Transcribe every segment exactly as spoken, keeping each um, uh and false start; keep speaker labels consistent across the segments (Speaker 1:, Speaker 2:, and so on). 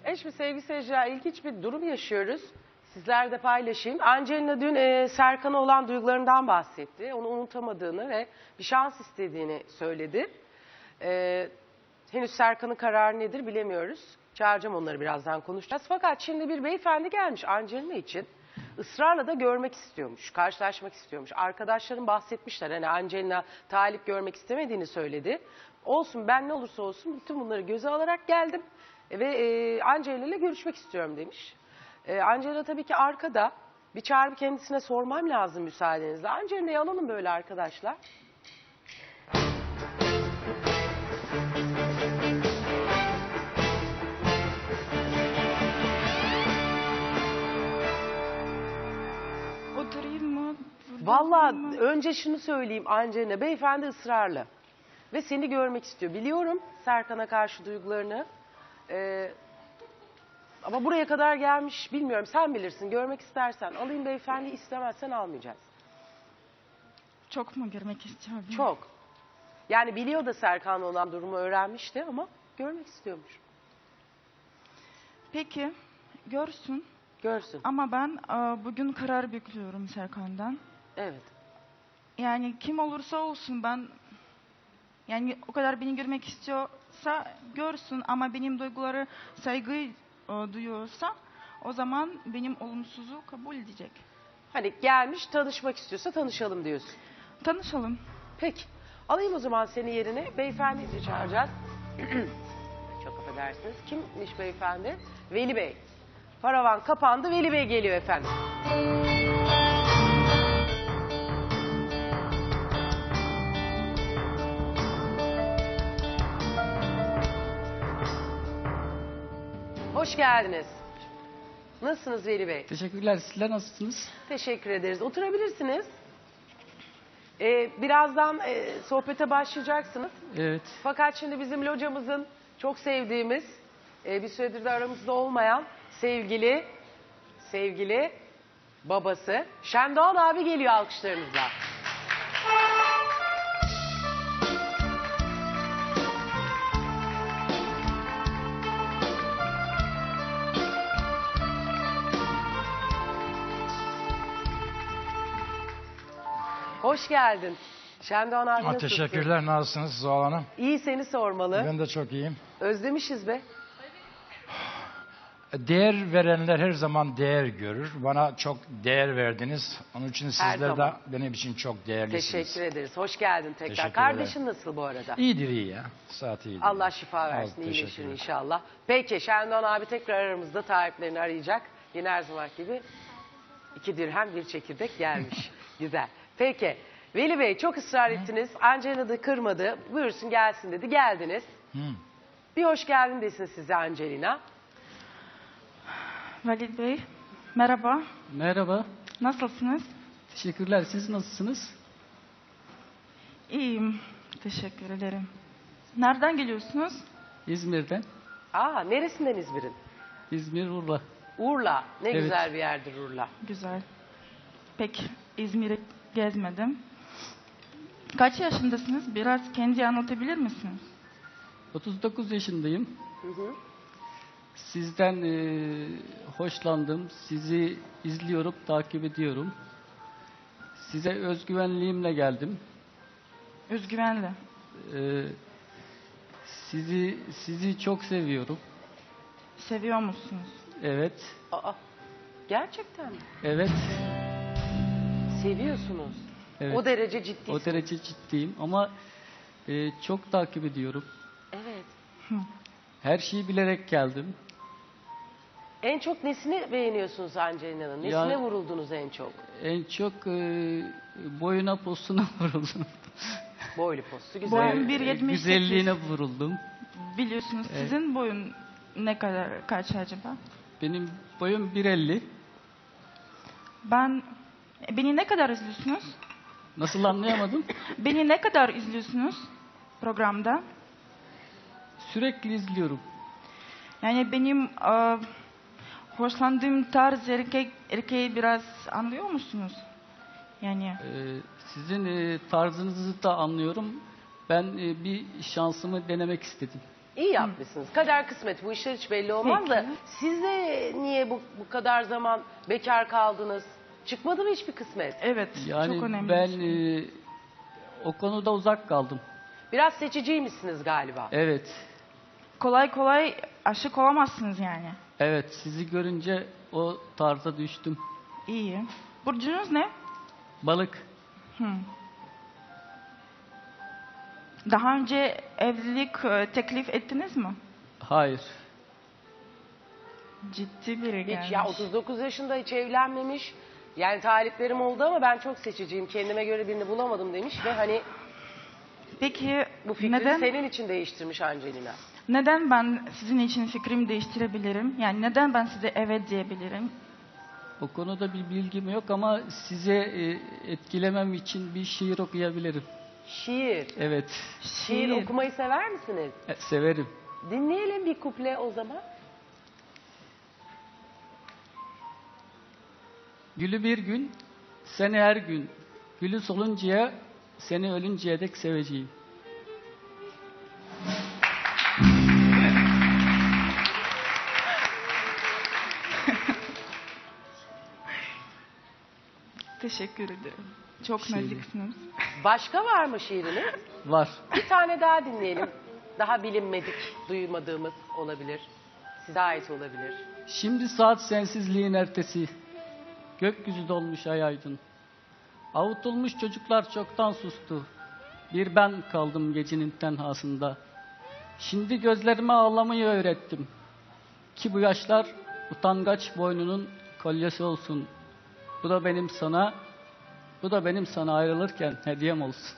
Speaker 1: E şimdi sevgili seyirciler, ilginç bir durum yaşıyoruz. Sizler de paylaşayım. Angelina dün e, Serkan'a olan duygularından bahsetti. Onu unutamadığını ve bir şans istediğini söyledi. E, henüz Serkan'ın kararı nedir bilemiyoruz. Çağıracağım onları, birazdan konuşacağız. Fakat şimdi bir beyefendi gelmiş Angelina için. Israrla da görmek istiyormuş, karşılaşmak istiyormuş. Arkadaşlarım bahsetmişler, hani Angelina talip görmek istemediğini söyledi. Olsun, ben ne olursa olsun bütün bunları göze alarak geldim ve e, Angelina ile görüşmek istiyorum demiş. E, Angelina tabii ki arkada. Bir çağırıp kendisine sormam lazım müsaadenizle. Angelina'yı alalım böyle arkadaşlar.
Speaker 2: Oturayım mı?
Speaker 1: Vallahi önce şunu söyleyeyim Angelina, beyefendi ısrarlı ve seni görmek istiyor. Biliyorum Serkan'a karşı duygularını. Ee, ama buraya kadar gelmiş, bilmiyorum, sen bilirsin. Görmek istersen alayım beyefendi, istemezsen almayacağız.
Speaker 2: Çok mu görmek istiyorum?
Speaker 1: Çok. Yani biliyor da Serkan'la olan durumu öğrenmişti ama görmek istiyormuş.
Speaker 2: Peki, görsün.
Speaker 1: Görsün.
Speaker 2: Ama ben e, bugün karar bekliyorum Serkan'dan.
Speaker 1: Evet.
Speaker 2: Yani kim olursa olsun ben, yani o kadar beni görmek istiyorsa görsün, ama benim duyguları saygı e, duyuyorsa o zaman benim olumsuzu kabul edecek.
Speaker 1: Hani gelmiş, tanışmak istiyorsa tanışalım diyorsun.
Speaker 2: Tanışalım.
Speaker 1: Peki. Alayım o zaman seni yerine. Beyefendiyi de çağıracağız. Çok affedersiniz. Kimmiş beyefendi? Veli Bey. Paravan kapandı. Veli Bey geliyor efendim. Hoş geldiniz. Nasılsınız Veli Bey?
Speaker 3: Teşekkürler. Sizler nasılsınız?
Speaker 1: Teşekkür ederiz. Oturabilirsiniz. Ee, birazdan e, sohbete başlayacaksınız.
Speaker 3: Evet.
Speaker 1: Fakat şimdi bizim locamızın çok sevdiğimiz, e, bir süredir de aramızda olmayan sevgili, sevgili babası Şendoğan abi geliyor alkışlarınızla. Hoş geldin. Şendoğan abi,
Speaker 4: Ha,
Speaker 1: nasılsın?
Speaker 4: teşekkürler. Nasılsınız Zuhal Hanım?
Speaker 1: İyi, seni sormalı.
Speaker 4: Ben de çok iyiyim.
Speaker 1: Özlemişiz be.
Speaker 4: Değer verenler her zaman değer görür. Bana çok değer verdiniz. Onun için sizler de
Speaker 1: zaman.
Speaker 4: benim için çok değerlisiniz.
Speaker 1: Teşekkür ederiz. Hoş geldin tekrar.
Speaker 4: Teşekkür
Speaker 1: Kardeşin nasıl bu arada?
Speaker 4: İyidir iyi ya. Saat iyidir.
Speaker 1: Allah şifa
Speaker 4: Al,
Speaker 1: versin, iyileşir
Speaker 4: teşekkürler.
Speaker 1: inşallah. Peki, Şendoğan abi tekrar aramızda, taliplerini arayacak. Yine her zaman gibi iki dirhem bir çekirdek gelmiş. Güzel. Peki, Veli Bey çok ısrar ettiniz. Angelina da kırmadı. Buyursun gelsin dedi. Geldiniz.
Speaker 4: Hı.
Speaker 1: Bir hoş geldin desin size Angelina.
Speaker 2: Valid Bey, merhaba.
Speaker 3: Merhaba.
Speaker 2: Nasılsınız?
Speaker 3: Teşekkürler. Siz nasılsınız?
Speaker 2: İyiyim. Teşekkür ederim. Nereden geliyorsunuz?
Speaker 3: İzmir'den.
Speaker 1: Aa, neresinden İzmir'in?
Speaker 3: İzmir, Urla.
Speaker 1: Urla. Ne
Speaker 3: Evet.
Speaker 1: güzel bir yerdir Urla.
Speaker 2: Güzel. Pek İzmir'i gezmedim. Kaç yaşındasınız? Biraz kendi anlatabilir misiniz?
Speaker 3: otuz dokuz yaşındayım.
Speaker 1: Hı hı.
Speaker 3: Sizden e, hoşlandım. Sizi izliyorum, takip ediyorum. Size özgüvenliğimle geldim.
Speaker 2: Özgüvenli.
Speaker 3: E, sizi sizi çok seviyorum.
Speaker 2: Seviyor musunuz?
Speaker 3: Evet.
Speaker 1: Aa, gerçekten mi?
Speaker 3: Evet.
Speaker 1: Seviyorsunuz.
Speaker 3: Evet.
Speaker 1: O derece ciddi.
Speaker 3: O derece ciddiyim ama e, çok takip ediyorum.
Speaker 1: Evet.
Speaker 3: Her şeyi bilerek geldim.
Speaker 1: En çok nesini beğeniyorsunuz Angelina'nın? Nesine
Speaker 3: Ya-
Speaker 1: vuruldunuz en çok?
Speaker 3: En çok e, boyuna posuna vuruldum.
Speaker 1: Boylu postu güzel.
Speaker 2: Boyun
Speaker 3: E,
Speaker 2: bir yetmiş sekiz.
Speaker 3: Güzelliğine vuruldum.
Speaker 2: Biliyorsunuz
Speaker 3: Evet.
Speaker 2: sizin boyun ne kadar, kaç acaba?
Speaker 3: Benim boyum bir elli.
Speaker 2: Ben, beni ne kadar izliyorsunuz?
Speaker 3: Nasıl anlayamadım?
Speaker 2: Beni ne kadar izliyorsunuz programda?
Speaker 3: Sürekli izliyorum.
Speaker 2: Yani benim e, hoşlandığım tarz erkek, erkeği biraz anlıyor musunuz? Yani
Speaker 3: E, sizin e, tarzınızı da anlıyorum. Ben e, bir şansımı denemek istedim.
Speaker 1: İyi yapmışsınız. Kader kısmet, bu işler hiç belli olmaz da
Speaker 2: Peki.
Speaker 1: siz de niye bu, bu kadar zaman bekar kaldınız? Çıkmadı mı hiçbir kısmet?
Speaker 2: Evet,
Speaker 3: Yani
Speaker 2: çok önemli.
Speaker 3: ben
Speaker 2: bir şey.
Speaker 3: e, o konuda uzak kaldım.
Speaker 1: Biraz seçiciymişsiniz galiba.
Speaker 3: Evet.
Speaker 2: Kolay kolay aşık olamazsınız yani.
Speaker 3: Evet, sizi görünce o tarza düştüm.
Speaker 2: İyi. Burcunuz ne?
Speaker 3: Balık.
Speaker 2: Hı. Daha önce evlilik e, teklif ettiniz mi?
Speaker 3: Hayır.
Speaker 2: Ciddi biri gelmiş.
Speaker 1: Hiç ya otuz dokuz yaşında hiç evlenmemiş. Yani taliplerim oldu ama ben çok seçiciyim. Kendime göre birini bulamadım demiş ve hani
Speaker 2: Peki
Speaker 1: bu fikri
Speaker 2: neden
Speaker 1: senin için değiştirmiş Angelina.
Speaker 2: neden ben sizin için fikrimi değiştirebilirim? Yani neden ben size evet diyebilirim?
Speaker 3: O konuda bir bilgim yok ama size e, etkilemem için bir şiir okuyabilirim.
Speaker 1: Şiir.
Speaker 3: Evet,
Speaker 1: Şiir okumayı sever misiniz?
Speaker 3: e, severim.
Speaker 1: Dinleyelim bir kuple o zaman.
Speaker 3: Gülü bir gün, seni her gün. Gülü soluncaya, seni ölünceye dek seveceğim.
Speaker 2: Teşekkür ederim. Çok
Speaker 3: Şey-
Speaker 2: naziksiniz.
Speaker 1: Başka var mı şiiriniz?
Speaker 3: Var.
Speaker 1: Bir tane daha dinleyelim. Daha bilinmedik, duymadığımız olabilir. Size ait olabilir.
Speaker 3: Şimdi saat sensizliğin ertesi. Gökyüzü dolmuş ay aydın. Avutulmuş çocuklar çoktan sustu. Bir ben kaldım gecenin tenhasında. Şimdi gözlerime ağlamayı öğrettim. Ki bu yaşlar utangaç boynunun kolyesi olsun. Bu da benim sana, bu da benim sana ayrılırken hediyem olsun.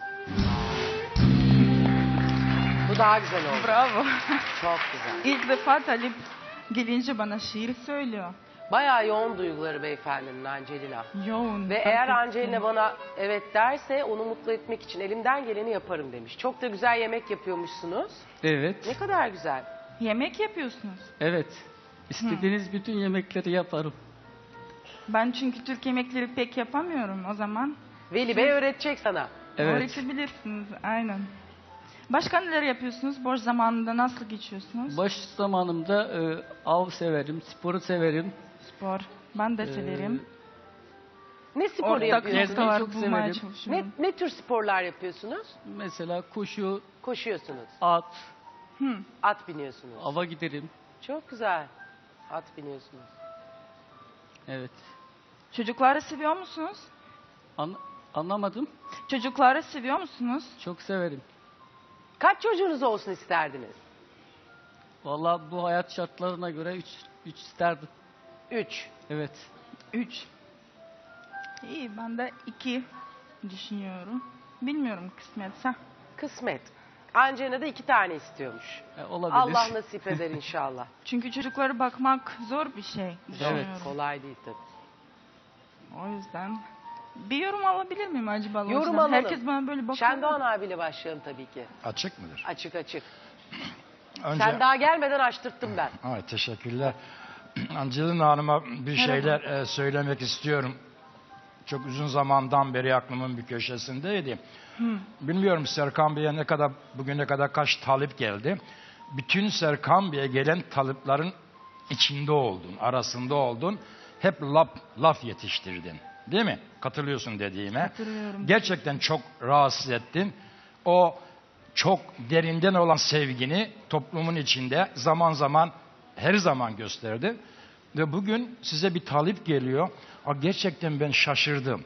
Speaker 1: Bu daha güzel oldu.
Speaker 2: Bravo.
Speaker 1: Çok güzel.
Speaker 2: İlk defa Talip gelince bana şiir söylüyor.
Speaker 1: Bayağı yoğun duyguları beyefendinin Angelina.
Speaker 2: Yoğun.
Speaker 1: Ve
Speaker 2: fark
Speaker 1: eğer
Speaker 2: ettim.
Speaker 1: Angelina bana evet derse onu mutlu etmek için elimden geleni yaparım demiş. Çok da güzel yemek yapıyormuşsunuz.
Speaker 3: Evet,
Speaker 1: Ne kadar güzel.
Speaker 2: Yemek yapıyorsunuz.
Speaker 3: evet. İstediğiniz bütün yemekleri yaparım.
Speaker 2: Ben çünkü Türk yemekleri pek yapamıyorum o zaman.
Speaker 1: Veli Bey öğretecek sana.
Speaker 3: Evet.
Speaker 2: Öğretebilirsiniz, aynen. Başka neler yapıyorsunuz? Boş zamanında nasıl geçiyorsunuz?
Speaker 3: Boş zamanımda e, av severim, sporu severim.
Speaker 2: Spor. Ben de severim.
Speaker 1: Ne sporu
Speaker 2: Ortak
Speaker 1: yapıyorsunuz?
Speaker 3: gezmeyi
Speaker 2: noktalar
Speaker 3: çok
Speaker 2: bulmaya
Speaker 3: severim.
Speaker 1: Ne,
Speaker 2: çalışıyorum.
Speaker 1: ne tür sporlar yapıyorsunuz?
Speaker 3: Mesela koşu,
Speaker 1: Koşuyorsunuz.
Speaker 3: at,
Speaker 2: Hı.
Speaker 1: At biniyorsunuz.
Speaker 3: ava giderim.
Speaker 1: Çok güzel. At biniyorsunuz.
Speaker 3: Evet.
Speaker 2: Çocukları seviyor musunuz?
Speaker 3: An- anlamadım.
Speaker 2: Çocukları seviyor musunuz?
Speaker 3: Çok severim.
Speaker 1: Kaç çocuğunuz olsun isterdiniz?
Speaker 3: Vallahi bu hayat şartlarına göre üç, üç isterdim.
Speaker 1: Üç.
Speaker 3: Evet.
Speaker 2: Üç. İyi, ben de iki düşünüyorum. Bilmiyorum kısmetse.
Speaker 1: Kısmet. Angelina da iki tane istiyormuş.
Speaker 3: E, olabilir.
Speaker 1: Allah nasip eder inşallah.
Speaker 2: Çünkü çocuklara bakmak zor bir şey. düşünüyorum.
Speaker 1: Kolay değil tabii.
Speaker 2: O yüzden bir yorum alabilir miyim acaba?
Speaker 1: Yorum
Speaker 2: Loja'dan?
Speaker 1: alalım.
Speaker 2: Herkes bana böyle bakıyor.
Speaker 1: Şendoğan abiyle başlayalım tabii ki.
Speaker 4: Açık mıdır?
Speaker 1: Açık açık.
Speaker 4: Önce...
Speaker 1: Sen daha gelmeden açtırttım ben.
Speaker 4: Ay, teşekkürler. Angelina Hanım'a bir şeyler e, söylemek istiyorum. Çok uzun zamandan beri aklımın bir köşesindeydi. Bilmiyorum Serkan Bey'e ne kadar, bugüne kadar kaç talip geldi. Bütün Serkan Bey'e gelen taliplerin içinde oldun, arasında oldun. Hep laf, laf yetiştirdin. Değil mi? Katılıyorsun dediğime.
Speaker 2: Katılıyorum.
Speaker 4: Gerçekten çok rahatsız ettin. O çok derinden olan sevgini toplumun içinde zaman zaman, her zaman gösterdi. Ve bugün size bir talip geliyor. Aa, gerçekten ben şaşırdım.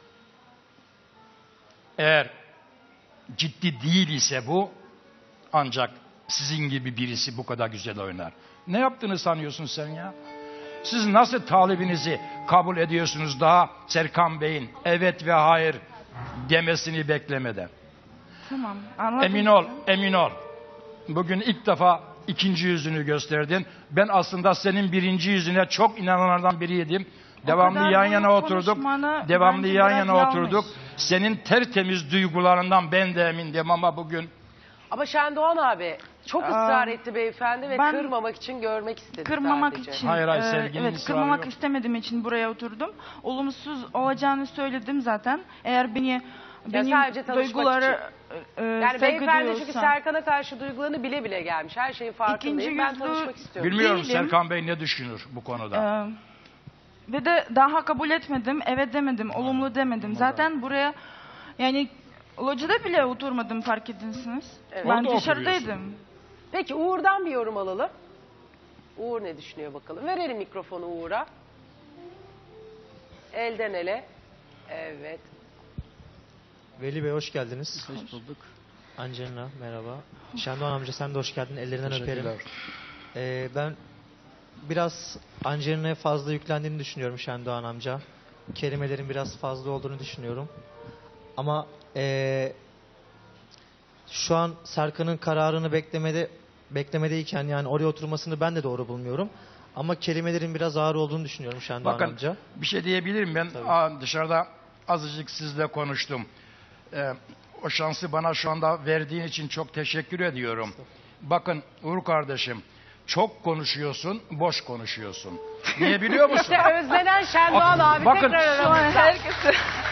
Speaker 4: Eğer ciddi değil ise bu, ancak sizin gibi birisi bu kadar güzel oynar. Ne yaptığını sanıyorsun sen ya? Siz nasıl talibinizi kabul ediyorsunuz daha Serkan Bey'in evet ve hayır demesini beklemeden?
Speaker 2: Tamam, anladım.
Speaker 4: Emin ol, emin ol. Bugün ilk defa ikinci yüzünü gösterdin. Ben aslında senin birinci yüzüne çok inananlardan biriydim. Devamlı
Speaker 2: kadar
Speaker 4: yan
Speaker 2: bunu
Speaker 4: yana oturduk.
Speaker 2: konuşmanı
Speaker 4: Devamlı
Speaker 2: bence
Speaker 4: yan
Speaker 2: biraz
Speaker 4: yana
Speaker 2: yanlış.
Speaker 4: oturduk. Senin tertemiz duygularından ben de emindim ama bugün
Speaker 1: Ama Şendoğan abi çok ısrar etti beyefendi ve
Speaker 2: ben-
Speaker 1: kırmamak için görmek istedi
Speaker 2: Kırmamak
Speaker 1: sadece.
Speaker 2: için,
Speaker 4: Hayır, hayır,
Speaker 2: e,
Speaker 4: sevginin
Speaker 2: evet,
Speaker 4: ısrarı
Speaker 2: kırmamak
Speaker 4: yok.
Speaker 2: istemediğim için buraya oturdum. Olumsuz olacağını söyledim zaten. Eğer beni benim
Speaker 1: sadece tanışmak
Speaker 2: duyguları e,
Speaker 1: Yani
Speaker 2: saygı
Speaker 1: beyefendi çünkü
Speaker 2: duyuyorsa.
Speaker 1: Serkan'a karşı duygularını bile bile gelmiş. Her şeyin farkındayım.
Speaker 2: İkinci
Speaker 1: Ben
Speaker 2: yüzlü-
Speaker 1: tanışmak istiyorum.
Speaker 4: Bilmiyorum
Speaker 2: Değilim.
Speaker 4: Serkan Bey ne düşünür bu konuda.
Speaker 2: Ee, ve de daha kabul etmedim, evet demedim, olumlu demedim. Zaten buraya yani locada bile oturmadım fark edinsiniz.
Speaker 1: Evet.
Speaker 2: Ben
Speaker 4: Orada
Speaker 2: dışarıdaydım.
Speaker 1: Peki Uğur'dan bir yorum alalım. Uğur ne düşünüyor bakalım. Verelim mikrofonu Uğur'a. Elden ele. Evet.
Speaker 5: Veli Bey hoş geldiniz.
Speaker 3: Hoş bulduk.
Speaker 5: Angelina merhaba. Şendoğan amca sen de hoş geldin. Ellerinden öperim.
Speaker 4: Teşekkürler.
Speaker 5: Ee, ben biraz Angelina'ya fazla yüklendiğini düşünüyorum Şendoğan amca. Kelimelerin biraz fazla olduğunu düşünüyorum. Ama ee, şu an Serkan'ın kararını beklemede beklemedeyken yani oraya oturmasını ben de doğru bulmuyorum. Ama kelimelerin biraz ağır olduğunu düşünüyorum Şendoğan
Speaker 4: Bakın
Speaker 5: amca.
Speaker 4: bir şey diyebilirim ben.
Speaker 5: Tabii.
Speaker 4: Aa, dışarıda azıcık sizle konuştum. Ee, o şansı bana şu anda verdiğin için çok teşekkür ediyorum. Bakın Uğur kardeşim, çok konuşuyorsun, boş konuşuyorsun. Niye biliyor musun?
Speaker 1: İşte özlenen Şendoğan
Speaker 4: Bak-
Speaker 1: abi
Speaker 4: bakın,
Speaker 1: tekrar
Speaker 2: Şu an
Speaker 1: aramızda.
Speaker 2: herkese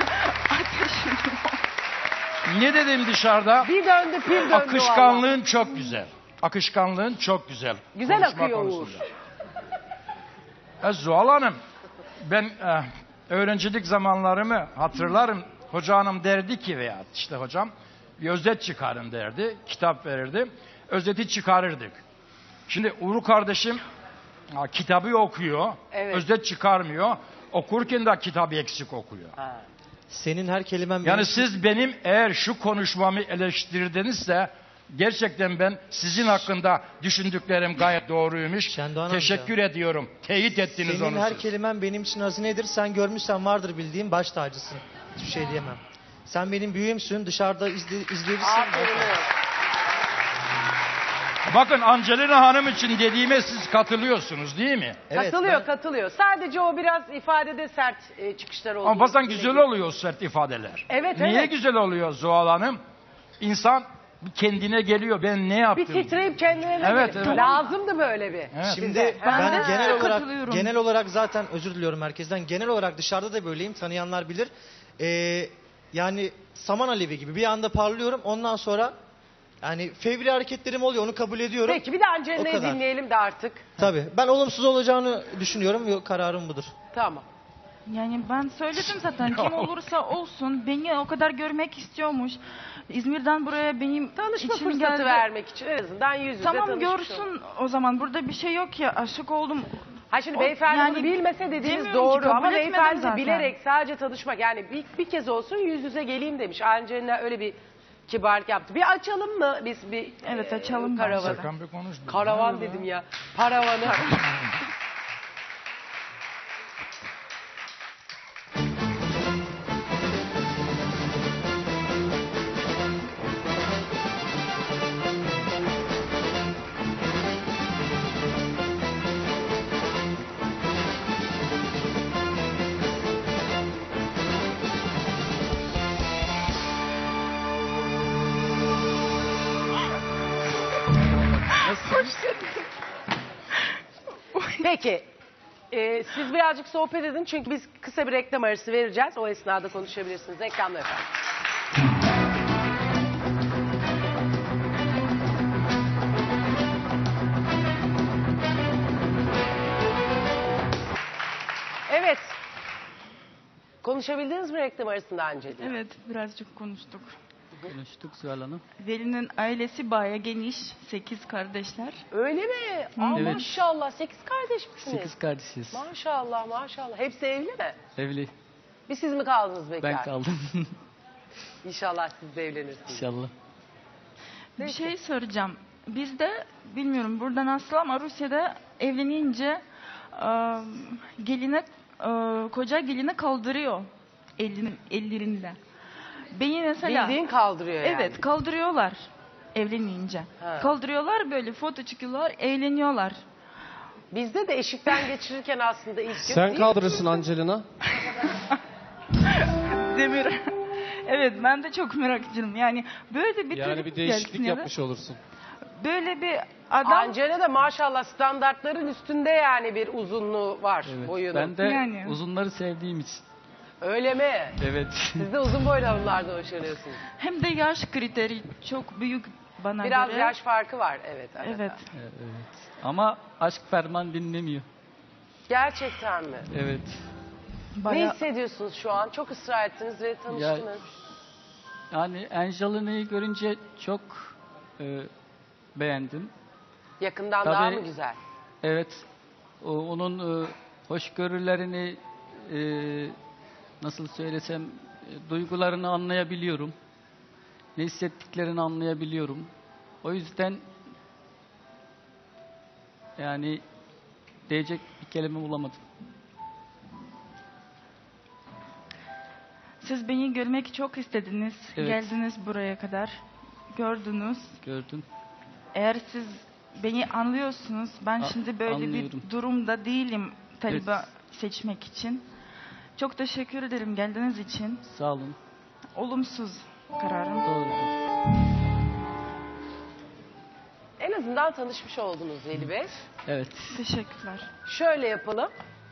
Speaker 4: Ne dedim dışarıda?
Speaker 1: Bir döndü pir döndü valla.
Speaker 4: Akışkanlığın çok güzel. Akışkanlığın çok güzel.
Speaker 1: Güzel
Speaker 4: Konuşma
Speaker 1: akıyor
Speaker 4: konusunda. E, Zuhal Hanım, ben e, öğrencilik zamanlarımı hatırlarım. Hoca hanım derdi ki veya işte hocam bir özet çıkarın derdi. Kitap verirdi. Özeti çıkarırdık. Şimdi Uğur kardeşim ha, kitabı okuyor.
Speaker 1: Evet.
Speaker 4: Özet çıkarmıyor. Okurken de kitabı eksik okuyor.
Speaker 1: Ha.
Speaker 5: Senin her kelimen
Speaker 4: Yani
Speaker 5: benim-
Speaker 4: siz benim eğer şu konuşmamı eleştirdinizse gerçekten ben sizin hakkında düşündüklerim gayet doğruymuş.
Speaker 5: Şendoğan
Speaker 4: Teşekkür ediyorum. Teyit ettiniz
Speaker 5: Senin
Speaker 4: onu
Speaker 5: her
Speaker 4: siz.
Speaker 5: kelimen benim için hazinedir. Sen görmüşsen vardır bildiğim baş tacısın. Hiçbir şey diyemem. Sen benim büyüğümsün. Dışarıda izle, izleyebilirsin.
Speaker 1: Aferin Uğur.
Speaker 4: Bakın Angelina Hanım için dediğime siz katılıyorsunuz değil mi?
Speaker 5: Evet,
Speaker 1: katılıyor
Speaker 5: ben-
Speaker 1: katılıyor. Sadece o biraz ifadede sert e, çıkışlar oldu.
Speaker 4: Ama bazen güzel oluyor o sert ifadeler.
Speaker 1: Evet,
Speaker 4: Niye
Speaker 1: evet.
Speaker 4: güzel oluyor Zuhal Hanım? İnsan bir kendine geliyor. Ben ne
Speaker 1: Bir
Speaker 4: yaptım?
Speaker 1: titreyip kendine de
Speaker 4: Evet,
Speaker 1: gelip-
Speaker 4: evet.
Speaker 1: Lazımdı böyle bir.
Speaker 4: Evet.
Speaker 5: Şimdi
Speaker 1: Size.
Speaker 5: ben
Speaker 1: Ha.
Speaker 5: genel olarak
Speaker 2: Katılıyorum.
Speaker 5: genel olarak zaten özür diliyorum herkesten. Genel olarak dışarıda da böyleyim. Tanıyanlar bilir. Ee, yani saman alevi gibi bir anda parlıyorum. Ondan sonra yani fevri hareketlerim oluyor. Onu kabul ediyorum.
Speaker 1: Peki bir de
Speaker 5: O
Speaker 1: Angelina'yı
Speaker 5: kadar.
Speaker 1: dinleyelim de artık.
Speaker 5: Tabii. Ben olumsuz olacağını düşünüyorum. Yok, kararım budur.
Speaker 1: Tamam.
Speaker 2: Yani ben söyledim zaten kim olursa olsun beni o kadar görmek istiyormuş. İzmir'den buraya benim
Speaker 1: Tanışma
Speaker 2: için
Speaker 1: fırsatı
Speaker 2: geldi.
Speaker 1: vermek için en azından yüz yüze
Speaker 2: Tamam
Speaker 1: tanışmış
Speaker 2: görsün
Speaker 1: olun.
Speaker 2: o zaman. Burada bir şey yok ya. Aşık oldum.
Speaker 1: Ha şimdi
Speaker 2: O-
Speaker 1: beyefendi
Speaker 2: yani
Speaker 1: bunu bilmese dediğiniz
Speaker 2: demiyorum ki,
Speaker 1: doğru
Speaker 2: kabul
Speaker 1: ama
Speaker 2: etmedim
Speaker 1: beyefendi de
Speaker 2: zaten.
Speaker 1: bilerek sadece tanışmak yani bir, bir kez olsun yüz yüze geleyim demiş. Angelina öyle bir kibarlık yaptı. Bir açalım mı biz bir
Speaker 2: Evet,
Speaker 1: e,
Speaker 2: açalım
Speaker 1: karavanı?
Speaker 2: bence.
Speaker 4: Serkan Bey konuştu.
Speaker 1: Karavan dedim ya. Paravanı. Peki. e, siz birazcık sohbet edin çünkü biz kısa bir reklam arası vereceğiz. O esnada konuşabilirsiniz. Reklamla efendim. Evet. Konuşabildiniz mi reklam arasında Angelina?
Speaker 2: Evet birazcık konuştuk.
Speaker 3: Konuştuk Zuhal Hanım.
Speaker 2: Veli'nin ailesi baya geniş. Sekiz kardeşler.
Speaker 1: Öyle mi? Aa,
Speaker 3: Evet.
Speaker 1: Maşallah. Sekiz kardeş misiniz?
Speaker 3: Sekiz kardeşiz.
Speaker 1: Maşallah maşallah. Hepsi evli mi?
Speaker 3: Evli.
Speaker 1: Bir siz mi kaldınız bekar?
Speaker 3: Ben kaldım.
Speaker 1: İnşallah siz de evlenirsiniz.
Speaker 3: İnşallah.
Speaker 2: Bir şey soracağım. Bizde bilmiyorum burada nasıl ama Rusya'da evlenince e, geline e, koca gelini kaldırıyor elinin ellerinde. Beni mesela
Speaker 1: Bildiğin kaldırıyor yani.
Speaker 2: evet kaldırıyorlar evlenince.
Speaker 1: Ha.
Speaker 2: Kaldırıyorlar böyle foto çıkıyorlar, eğleniyorlar.
Speaker 1: Bizde de eşikten geçirirken aslında ilk gün
Speaker 6: Sen
Speaker 1: değil
Speaker 6: kaldırırsın Angelina.
Speaker 2: Demir. Evet ben de çok merak ediyorum. Yani böyle bir
Speaker 6: Yani
Speaker 2: çocuk
Speaker 6: bir değişiklik
Speaker 2: gelsin ya da
Speaker 6: yapmış olursun.
Speaker 2: böyle bir adam
Speaker 1: Angela da maşallah standartların üstünde yani bir uzunluğu var
Speaker 3: Evet.
Speaker 1: boyunun.
Speaker 3: Ben de
Speaker 2: Yani.
Speaker 3: uzunları sevdiğim için.
Speaker 1: Öyle mi?
Speaker 3: Evet.
Speaker 1: Siz de uzun boylu hanımlardan hoşlanıyorsunuz.
Speaker 2: Hem de yaş kriteri çok büyük bana
Speaker 1: Biraz
Speaker 2: göre.
Speaker 1: yaş farkı var. Evet. arada.
Speaker 2: Evet.
Speaker 3: Evet. Ama aşk ferman dinlemiyor.
Speaker 1: Gerçekten mi?
Speaker 3: Evet.
Speaker 1: Ne
Speaker 2: Bayağı
Speaker 1: hissediyorsunuz şu an? Çok ısrar ettiniz ve tanıştınız.
Speaker 3: Yani Angelina'yı görünce çok e, beğendim.
Speaker 1: Yakından
Speaker 3: Tabii.
Speaker 1: daha mı güzel?
Speaker 3: Evet. O, onun e, hoşgörülerini e, nasıl söylesem e, duygularını anlayabiliyorum. Ne hissettiklerini anlayabiliyorum. O yüzden yani diyecek bir kelime bulamadım.
Speaker 2: siz beni görmek çok istediniz.
Speaker 3: Evet.
Speaker 2: Geldiniz buraya kadar. Gördünüz.
Speaker 3: Gördüm.
Speaker 2: Eğer siz beni anlıyorsunuz, ben
Speaker 3: A-
Speaker 2: şimdi böyle
Speaker 3: anlıyorum.
Speaker 2: bir durumda değilim taliba seçmek için. Çok teşekkür ederim geldiğiniz için.
Speaker 3: Sağ olun.
Speaker 2: Olumsuz kararım.
Speaker 3: Doğrudur.
Speaker 1: En azından tanışmış oldunuz Veli Bey.
Speaker 3: Evet.
Speaker 2: Teşekkürler.
Speaker 1: Şöyle yapalım.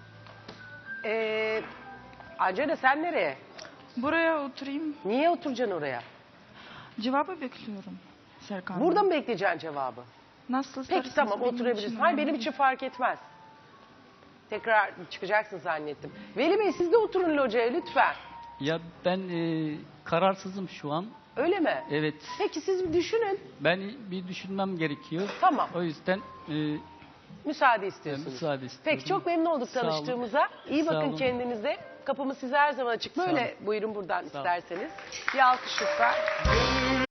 Speaker 1: Ee, Angela sen nereye?
Speaker 2: Buraya oturayım.
Speaker 1: Niye oturacaksın oraya?
Speaker 2: Cevabı bekliyorum Serkan.
Speaker 1: Burada mı bekleyeceksin cevabı?
Speaker 2: Nasıl
Speaker 1: Peki
Speaker 2: isterseniz
Speaker 1: tamam
Speaker 2: benim
Speaker 1: oturabilirsin.
Speaker 2: için
Speaker 1: Hayır benim
Speaker 2: önemli.
Speaker 1: için fark etmez. Tekrar çıkacaksın zannettim. Veli Bey siz de oturun locaya lütfen.
Speaker 3: Ya ben e, kararsızım şu an.
Speaker 1: Öyle mi?
Speaker 3: Evet.
Speaker 1: Peki siz bir düşünün.
Speaker 3: Ben bir düşünmem gerekiyor.
Speaker 1: Tamam.
Speaker 3: O yüzden e,
Speaker 1: Müsaade istiyorsunuz.
Speaker 3: müsaade istiyorum.
Speaker 1: Peki çok memnun olduk
Speaker 3: Sağ olun.
Speaker 1: tanıştığımıza. İyi
Speaker 3: Sağ
Speaker 1: bakın
Speaker 3: olun.
Speaker 1: kendinize. Kapımız size her zaman açık.
Speaker 3: Sağ
Speaker 1: Böyle buyurun buradan
Speaker 3: Sağ olun.
Speaker 1: isterseniz. Bir alkış lütfen.